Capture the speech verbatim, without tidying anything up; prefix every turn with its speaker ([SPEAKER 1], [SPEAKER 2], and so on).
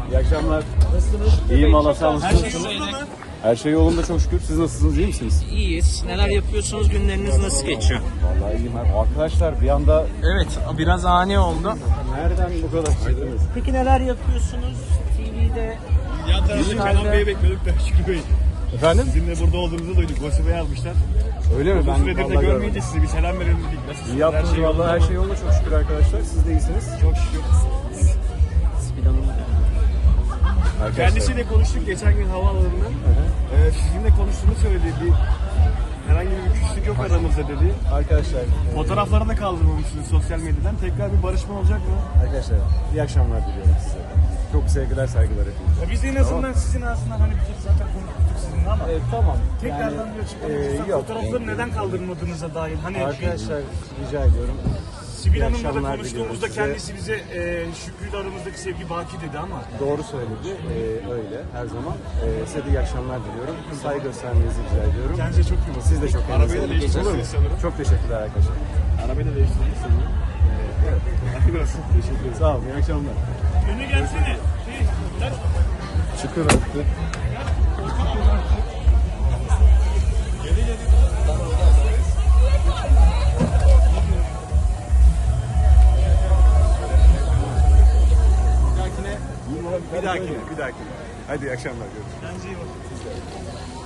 [SPEAKER 1] İyi akşamlar.
[SPEAKER 2] Nasılsınız?
[SPEAKER 1] İyiyim valla, sağ olun.
[SPEAKER 2] Her şey yolunda mı?
[SPEAKER 1] Her şey yolunda çok şükür. Siz nasılsınız? İyi misiniz?
[SPEAKER 2] İyiyiz. Neler yapıyorsunuz? Günleriniz nasıl geçiyor?
[SPEAKER 1] Vallahi iyiyim. Arkadaşlar bir anda
[SPEAKER 2] Evet, biraz ani oldu.
[SPEAKER 1] nereden bu kadar çıktınız?
[SPEAKER 2] Peki neler yapıyorsunuz? T V'de,
[SPEAKER 3] Yan tarafta Kenan Bey'i bekliyorduk da Şükrü Bey.
[SPEAKER 1] Efendim?
[SPEAKER 3] Sizinle burada olduğunuzu duyduk. Gossip'e yazmışlar.
[SPEAKER 1] Öyle mi?
[SPEAKER 3] Uzun
[SPEAKER 1] Ben
[SPEAKER 3] süredir de
[SPEAKER 1] vallahi
[SPEAKER 3] görmeyince
[SPEAKER 1] görmedim.
[SPEAKER 3] size bir selam verelim dedik. Nasılsınız?
[SPEAKER 1] İyi yaptınız
[SPEAKER 3] Her şey
[SPEAKER 1] vallahi. Her
[SPEAKER 3] yolunda
[SPEAKER 1] şey yolunda çok şükür arkadaşlar. Siz de iyisiniz.
[SPEAKER 3] mı? Çok şükür.
[SPEAKER 1] Arkadaşlar.
[SPEAKER 3] Kendisiyle konuştuk geçen gün havaalanında. Ee, sizinle konuştuğunu söyledi. Bir, herhangi bir küslük yok aramızda dedi.
[SPEAKER 1] Arkadaşlar. e,
[SPEAKER 3] Fotoğraflarını da kaldırmamışsınız sosyal medyadan. Tekrar bir barışma olacak mı?
[SPEAKER 1] Arkadaşlar iyi akşamlar diliyorum size. Çok sevgiler, saygılar hepinize.
[SPEAKER 3] Ya biz de en azından sizin ağzından hani biz zaten konuştuk sizinle ama
[SPEAKER 1] E, tamam.
[SPEAKER 3] tekrardan
[SPEAKER 1] Yani,
[SPEAKER 3] bir açıklama yapırsak
[SPEAKER 1] e, yok.
[SPEAKER 3] fotoğrafları neden kaldırmadığınıza dair. Hani
[SPEAKER 1] Arkadaşlar rica ediyorum.
[SPEAKER 3] Sibel
[SPEAKER 1] İyi
[SPEAKER 3] Hanım'la da
[SPEAKER 1] akşamlar
[SPEAKER 3] konuştuğumuzda
[SPEAKER 1] diliyorum
[SPEAKER 3] kendisi bize e, Şükrü'yle aramızdaki sevgi baki dedi ama
[SPEAKER 1] Doğru söyledi. Ee, öyle her zaman. Ee, size de iyi akşamlar diliyorum. Saygı göstermenizi rica ediyorum.
[SPEAKER 3] kendinize çok iyi bakın.
[SPEAKER 1] Siz de çok
[SPEAKER 3] Arabayı da
[SPEAKER 1] Olur mu?
[SPEAKER 3] değiştirirsiniz sanırım.
[SPEAKER 1] Çok teşekkürler arkadaşlar.
[SPEAKER 3] Arabayı da değiştirdiniz sanırım. Evet. Hayırlı olsun. Teşekkür ederim.
[SPEAKER 1] Sağ olun. İyi akşamlar.
[SPEAKER 3] Öne gelsene. Şey, gel.
[SPEAKER 1] Çıkın artık. Bir dahakine, bir dahakine. Hadi iyi akşamlar. Görüşürüz.
[SPEAKER 3] Kendinize iyi bakın.